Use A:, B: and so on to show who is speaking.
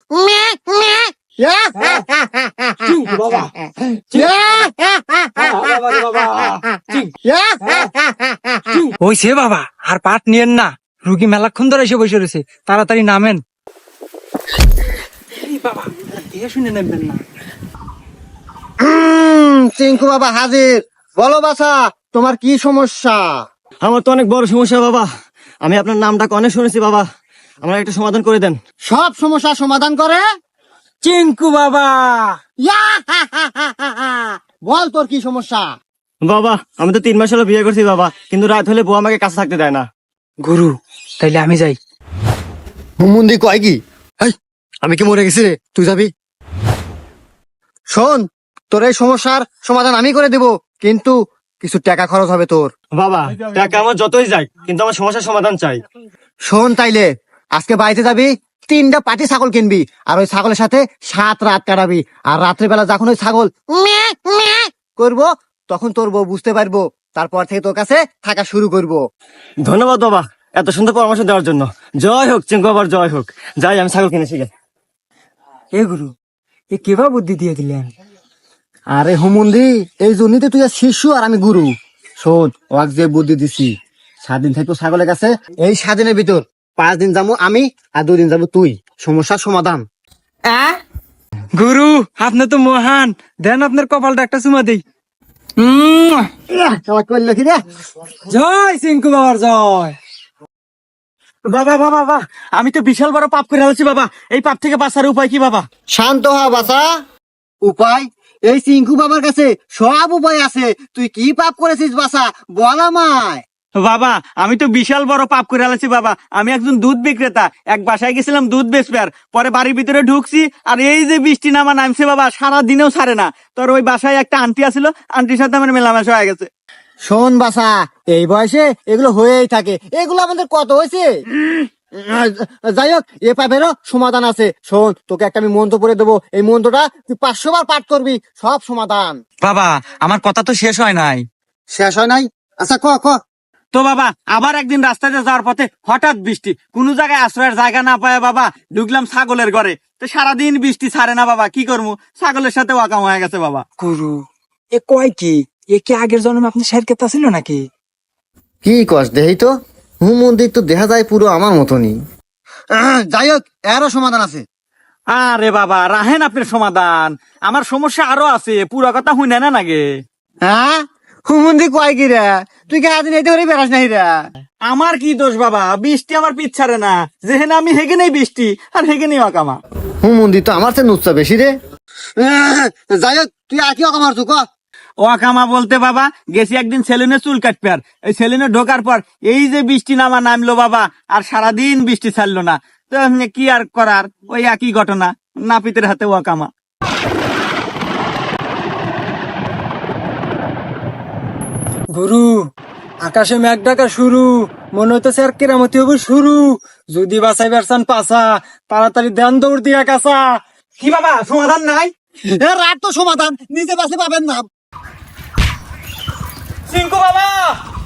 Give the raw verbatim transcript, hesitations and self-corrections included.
A: হইছে বাবা, আর পাট নিয়েন না, রুগী মেলাক্ষণ ধরে এসে বসে রয়েছে, তাড়াতাড়ি নামেন। বাবা দেখে শুনে নেবেন না।
B: চিঙ্কু বাবা হাজির। বলো বাছা, তোমার কি সমস্যা?
C: আমার তো অনেক বড় সমস্যা বাবা, আমি আপনার নামটা অনেক শুনেছি বাবা, আমার একটা সমাধান করে দেন।
B: সব সমস্যা সমাধান করে
A: চিঙ্কু বাবা।
B: বল তোর কি সমস্যা?
C: বাবা আমি তো তিন মাস হলো বিয়ে করছি বাবা, কিন্তু রাত হলে বউ আমাকে কাছে থাকতে দেয় না।
A: গুরু তাইলে আমি যাই।
B: হুমুন্দি কয় কি? আমি কি মরে গেছি রে, তুই যাবি? শোন, তোর এই সমস্যার সমাধান আমি করে দেব, কিন্তু কিছু টাকা খরচ হবে তোর।
C: বাবা টাকা আমার যতই যাই, কিন্তু আমার সমস্যার সমাধান চাই।
B: শোন তাইলে, আজকে বাড়িতে যাবি, তিনটা পাটি ছাগল কিনবি, আর ওই ছাগলের সাথে সাত রাত কাটাবি, আর রাত্রেবেলা যখন ওই ছাগল ম্যাঁ ম্যাঁ করবো, তখন তোর বউ বুঝতে পারবো, তারপর থেকে তোর কাছে থাকা শুরু করবো।
C: ধন্যবাদ বাবা এত সুন্দর পরামর্শ দেওয়ার জন্য। জয় হোক চিঙ্কু বাবার, জয় হোক। যাই আমি ছাগল কিনেছি গে।
A: এ গুরু, এ কেবা বুদ্ধি দিয়ে দিলেন?
B: আরে হুমুন্দি, এই জন্যই তো তুই আর শিশু আর আমি গুরু। শোন, ওয়াক যে বুদ্ধি দিছি, সাত দিন থাকবো ছাগলের কাছে, এই সাত দিনের ভিতর পাঁচ দিন যাবো আমি, আর দুই দিন যাবো তুই। সমস্যার সমাধান।
A: গুরু আপনি তো মহান, দেন আপনার কপালটা একটা চুমা দেই।
B: করলো কি রে?
A: জয় চিঙ্কু বাবার জয়।
C: বাবা বাবা বাবা, আমি তো বিশাল বড় পাপ করে আছি বাবা, এই পাপ থেকে বাঁচার উপায় কি বাবা?
B: শান্ত হ বাছা। উপায়? এই চিঙ্কু বাবার কাছে সব উপায় আছে। তুই কি পাপ করেছিস বাছা, বল আমায়।
C: বাবা আমি তো বিশাল বড় পাপ করে আছি বাবা, আমি একজন দুধ বিক্রেতা, এক বাসায় গেছিলাম দুধ বেচবার, পরে বাড়ির ভিতরে ঢুকছি, আর এই যে বৃষ্টি নামা নামছে বাবা, সারা দিনেও ছাড়ে না। তোর ওই বাসায় একটা আন্টি আছিল, আন্টির সাথে আমার মেলামেশা হয়ে গেছে।
B: শোন বাছা, এই বয়সে এগুলো হয়েই থাকে, এগুলো আমাদের কত হয়েছে। যাই হোক, এ পাপেরও সমাধান আছে। শোন, তোকে একটা আমি মন্ত্র পড়ে দেবো, এই মন্ত্রটা তুই পাঁচশো বার পাঠ করবি, সব সমাধান।
A: বাবা আমার কথা তো শেষ হয় নাই।
B: শেষ হয় নাই? আচ্ছা ক ক।
C: তো বাবা আবার একদিন রাস্তাতে যাওয়ার পথে হঠাৎ বৃষ্টি, কোন জায়গায় আশ্রয়ের জায়গা না পায় বাবা ঢুকলাম ছাগলের ঘরে, তো সারাদিন বৃষ্টি ছাড়ে না বাবা, কি করবো, ছাগলের সাথে ওয়াকাম হয়ে গেছে বাবা।
A: গুরু এ কয় কি? এ কি আগের জন্মে আপনি শের কেতা ছিল নাকি?
B: কি কস দেহি তো, হুম মন্দির তো দেখা যায় পুরো আমার মতনই। যাই হোক, এরও সমাধান আছে।
C: আরে বাবা রাহেন আপনার সমাধান, আমার সমস্যা আরো আছে, পুরো কথা হুই না নাগে।
B: হ্যাঁ, হুমন্দি কয় কি রে? তুই কে আদিন এতে করে বেড়াস নাই রে?
C: আমার কি দোষ বাবা, বৃষ্টি আমার পিছারে না, যেহেনে আমি হেগে নেই বৃষ্টি, আর হেগে নেই অকামা।
B: হুম মন্দির তো আমার চেয়ে নুচ্ছা বেশি রে। যাই হোক, তুই আর কি অকামার তুই ক।
C: ওয়াকামা বলতে বাবা গেছি একদিন সেলুনে চুল কাটবে, আর এই সেলুনে ঢোকার পর এই যে বৃষ্টি নামা নামলো বাবা, আর সারাদিন বৃষ্টি ছাড়লো না, তো এমনি কি আর করার, ওই একই ঘটনা, নাপিতের হাতে ওয়াকামা।
A: গুরু আকাশে মেঘ ডাকা শুরু, মনে হইতেছে আর কেরামতি হবে শুরু। যদি বাঁচাই বেরসান পাছা, তাড়াতাড়ি দেন দৌড় দিয়া কাছা।
C: কি বাবা সমাধান নাই?
B: এ রাত তো সমাধান, নিজে বাসে পাবেন না।
C: চিঙ্কু বাবা